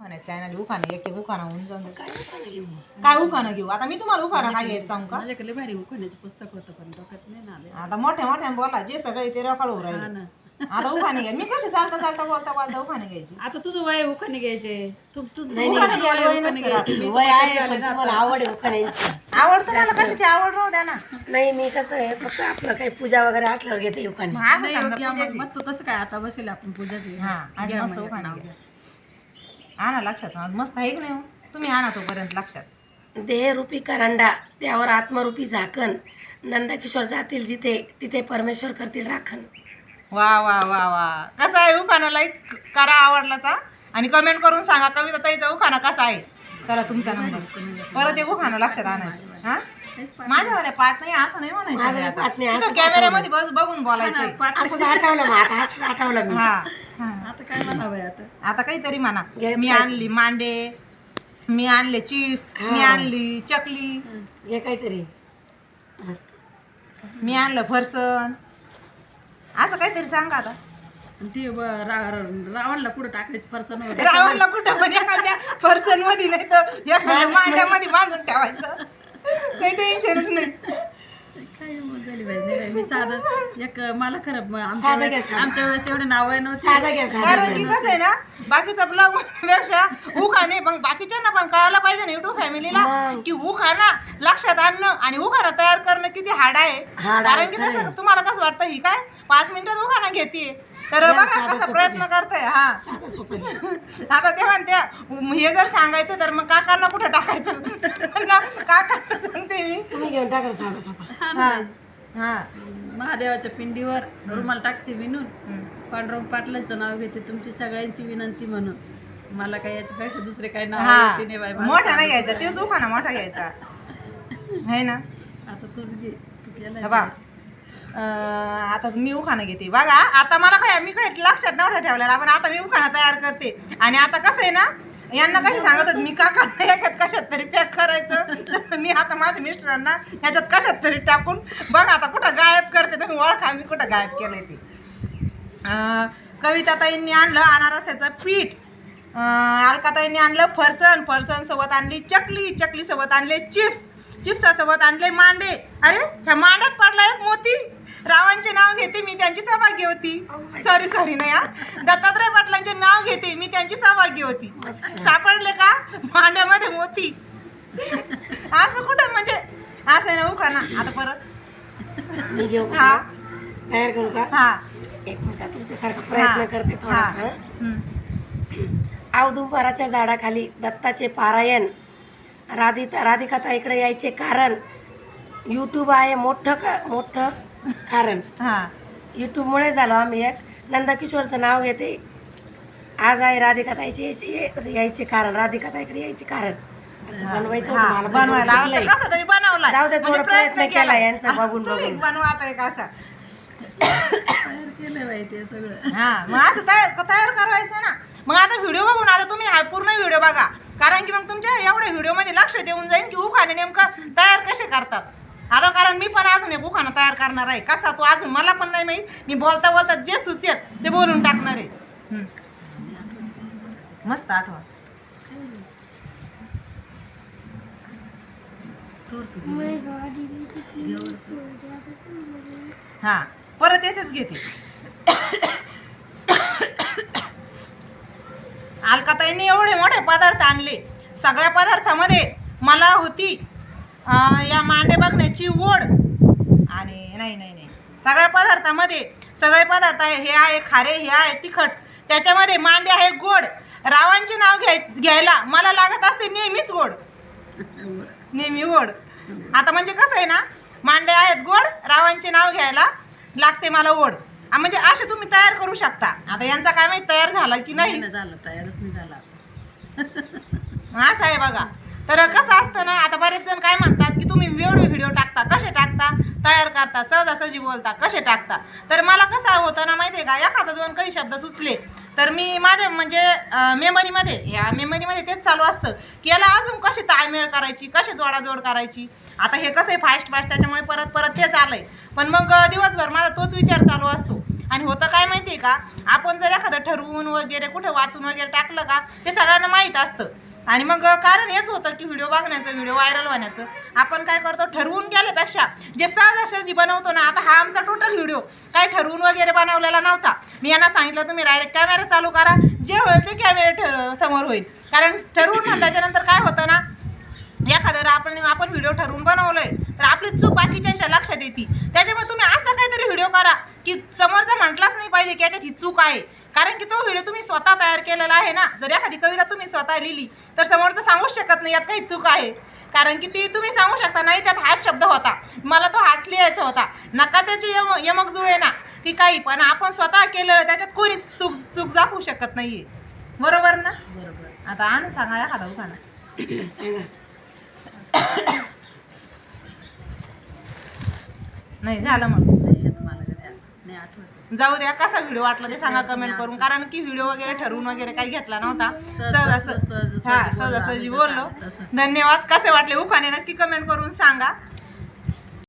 उखाणा channel उखाणा एक उखाणा होऊन जाऊन काय उखाणा घेऊ आता मी तुम्हाला उखाणा काय घ्यायचं सांगू का माझ्याकडे भारी उखाण्याचं पुस्तक होतं पण डोक्यात नाही ना आलं. आता मोठ्या मोठ्या बोला जे सगळे ते रकाळ हा राहिले ना. आता उखाणे घ्या मी कशी चालता चालता बोलता बोलता उखाणे घ्यायची आता तुझं वय उखाणे घ्यायचे उखाणे घ्यायला वय नसतं राहत. वय आहे पण तुम्हाला आवड आहे उखाण्यांची. आवड तुम्हाला कशाची आवड राहू द्या ना नाही मी कसं आहे फक्त आपलं काही पूजा वगैरे असल्यावर घेते उखाणे. मग असं समजा पूजेची. मस्त तसं काय आता बसेल आपण पूजाची हा आज घ्या मस्त मग उखाणा नाव घ्या आणा लक्षात आज मस्त आहे की नाही हो? तुम्ही आणा तोपर्यंत लक्षात देहरूपी करंडा त्यावर आत्मरूपी झाकण नंदकिशोर जातील जिथे तिथे परमेश्वर करतील राखण. वा वा वा वा कसा आहे उखाणा लाईक करा आवडलाचा आणि कमेंट करून सांगा कविता ताईचा उखाणा कसा आहे. चला तुमचा नंबर परत एक उखाणा लक्षात आणायचं हा माझ्यावाल्या पाठ नाही असं नाही माझं म्हणायचं पाठ नाही, आता. असंच कॅमेऱ्यामध्ये बस बघून बोलायचं असंच आठवलं मग आता असंच आठवलं मी. हा हा. आता काय म्हणावं आता आता काहीतरी म्हणा घेत मी काय? आणली मांडे मी आणले चिप्स मी हा. आणली चकली हे काहीतरी मस्त. मी आणलं फरसन असं काहीतरी सांगा आता आणि ते रावणला कुठं टाकायचं फरसन वगैरे रावणला कुठं पण एखाद्या फरसन मध्ये नाही तर एखाद्या मांड्यामध्ये बांधून ठेवायचं काही टेन्शनच नाही काय मग झाली बाई नाही बाई, मी साधं एक मला खरं साधं घ्या, साधं. आमच्या वेळेस एवढे नाव आहे नव्हते साधं घ्या कारण साधं की घ्या. कसं आहे ना बाकीचा ब्लॉग पेक्षा उखाणे मग बाकीच्यांना पण कळायला पाहिजे ना युट्यूब फॅमिलीला मग. की उखाणा लक्षात आणणं आणि उखाणा तयार करणं किती हार्ड आहे हार्ड आहे, कारण की खरं तसं आहे. तुम्हाला कसं वाटतं ही काय 5 मिनिटात उखाणा घेते तर जरा बघा साधं कसा सोपं प्रयत्न घ्या. करताय हा साधं सोपं घ्या. आता ते म्हणत्या हे जर सांगायचं तर मग काकांना कुठं टाकायचं काकांना सांगते मी तुम्ही घेऊन टाका साधं सोपं. हा ना बाई. हा महादेवाच्या पिंडीवर रुमाल टाकते विणून हम्म. पांडुरंग पाटलांचं नाव घेते तुमची सगळ्यांची विनंती म्हणून मला काय याच्यापेक्षा दुसरे काही नाव हा येते नाही बाई मला मोठा नाही सांग. घ्यायचा तेच उखाणा मोठा घ्यायचा है ना आता तूच घे तू केलाय हे बघ आता मी उखाणा घेते बघा आता मला काय मी काय लक्षात नव्हतं ठेवलेला पण आता मी उखाणा तयार करते आणि आता कसं आहे ना यांना कशी सांगत होते मी काकांना याच्यात कशात तरी पॅक करायचं तसं मी आता माझ्या मिस्टरांना ह्याच्यात कशात तरी टाकून बघा आता कुठं गायब करते तुम्ही ओळखा मी कुठं गायब केलंय ते कविताताईंनी आणलं अनारसाचं पीठ अलकाताईंनी आणलं फरसन फरसनसोबत आणली चकली चकलीसोबत आणले चिप्स चिप्सासोबत आणले मांडे अरे ह्या मांड्यात पडला एक मोती रावांचे नाव घेते मी त्यांची सौभाग्य होती सॉरी नाही हा दत्तात्रय पाटलांचे नाव घेते मी त्यांची सौभाग्य होती सापडले का मांड्यामध्ये मोती असं कुठं म्हणजे असं आहे ना उखाणा आता परत मी घेऊ का? हा तयार करू का हा एक मिनिट तुमच्यासारखा प्रयत्न करते थोडासा. हम्म. औदुंबराच्या झाडाखाली दत्ताचे पारायण राधिकाताईकडे यायचे कारण यूट्यूब आहे मोठं कारण. हा यूट्यूबमुळे झालो आम्ही एक नंदकिशोरचं नाव घेते आज आहे राधिकाताईचे यायचे कारण राधिकाताईकडे यायचे कारण असं बनवायचं होतं मला, पण बनवायला थोडं आता चुकलंय. कसं तरी बनवला जाऊ दे, थोडा प्रयत्न केला यांचा बघून तुम्ही बघून. बनवा आता एक असा तयार केलंय बाई ते सगळं हा मग असं तयार करायचं ना मग आता व्हिडिओ बघून आता तुम्ही हा पूर्ण व्हिडिओ बघा कारण की मग तुमच्या एवढ्या व्हिडिओमध्ये लक्ष देऊन जाईल की उखाणे नेमकं तयार कसे करतात आता कारण मी पण अजून एक उखाणा तयार करणार आहे कसा तो अजून मला पण नाही माहीत मी बोलता बोलता जे सुचेल ते बोलून टाकणार आहे मस्त आठवा हा परत याचेच घेते अलकाताईंनी एवढे मोठे पदार्थ आणले सगळ्या पदार्थामध्ये मला होती या मांडे बघण्याची ओढ आणि नाही सगळ्या पदार्थामध्ये सगळे पदार्थ आहे हे आहे खारे हे आहे तिखट त्याच्यामध्ये मांडे आहे गोड रावांचे नाव घ्यायला मला लागत असते नेहमीच गोड नेहमी गोड आता म्हणजे कसं आहे ना मांडे आहेत गोड रावांचे नाव घ्यायला लागते मला ओढ म्हणजे असे तुम्ही तयार करू शकता आता यांचा काय माहिती तयार झाला की नाही नाही झालं तयारच नाही झाला असं आहे बघा तर कसं असतं ना आता बरेच जण काय म्हणतात की तुम्ही एवढे व्हिडिओ टाकता कसे टाकता तयार करता सहजासहजी बोलता कसे टाकता तर मला कसं होतं ना माहिती आहे का एखादा दोन काही शब्द सुचले तर मी माझ्या म्हणजे मेमरीमध्ये तेच चालू असतं की याला अजून कशी ताळमेळ करायची कशी जोडाजोड करायची आता हे कसं आहे फास्ट त्याच्यामुळे परत तेच आलंय पण मग दिवसभर माझा तोच विचार चालू असतो आणि होतं काय माहिती आहे का, आपण जर एखादं ठरवून वगैरे कुठं वाचून वगैरे टाकलं का ते सगळ्यांना माहीत असतं. आणि मग कारण हेच होतं की व्हिडिओ बघण्याचं, व्हिडिओ व्हायरल होण्याचं. आपण काय करतो, ठरवून केल्यापेक्षा जे सहजासहजी बनवतो ना, आता हा आमचा टोटल व्हिडिओ काय ठरवून वगैरे बनवलेला नव्हता. मी यांना सांगितलं तुम्ही डायरेक्ट कॅमेरा चालू करा, जे होईल ते कॅमेरा समोर होईल. कारण ठरवून म्हटल्याच्यानंतर काय होतं ना, एखाद्या आपण व्हिडिओ ठरवून बनवलोय तर आपली चूक बाकीच्यांच्या लक्षात येते. त्याच्यामुळे तुम्ही असं काहीतरी व्हिडिओ करा की समोरचा म्हटलाच नाही पाहिजे की याच्यात ही चूक आहे. कारण की तो व्हिडिओ तुम्ही स्वतः तयार केलेला आहे ना. जर एखादी कविता तुम्ही स्वतः लिहिली तर समोरचं सांगूच शकत नाही यात काही चूक आहे. कारण की ती तुम्ही सांगू शकता नाही त्यात हाच शब्द होता, मला तो हाच लिहायचा होता. नका त्याची यमक जुळे ना की काही, पण आपण स्वतः केलं त्याच्यात कोणी चूक दाखवू शकत नाहीये. बरोबर ना? बरोबर. आता आणून सांगा एखादा उखाणा. सांगा. नाही झालं मग नाही येत मला कधी नाही आठवत. जाऊ द्या. कसा व्हिडिओ वाटला ते सांगा कमेंट करून. कारण की व्हिडिओ वगैरे ठरवून वगैरे काही घेतला नव्हता. सहजासहजी बोललो. धन्यवाद. कसे वाटले उखाणे नक्की कमेंट करून सांगा.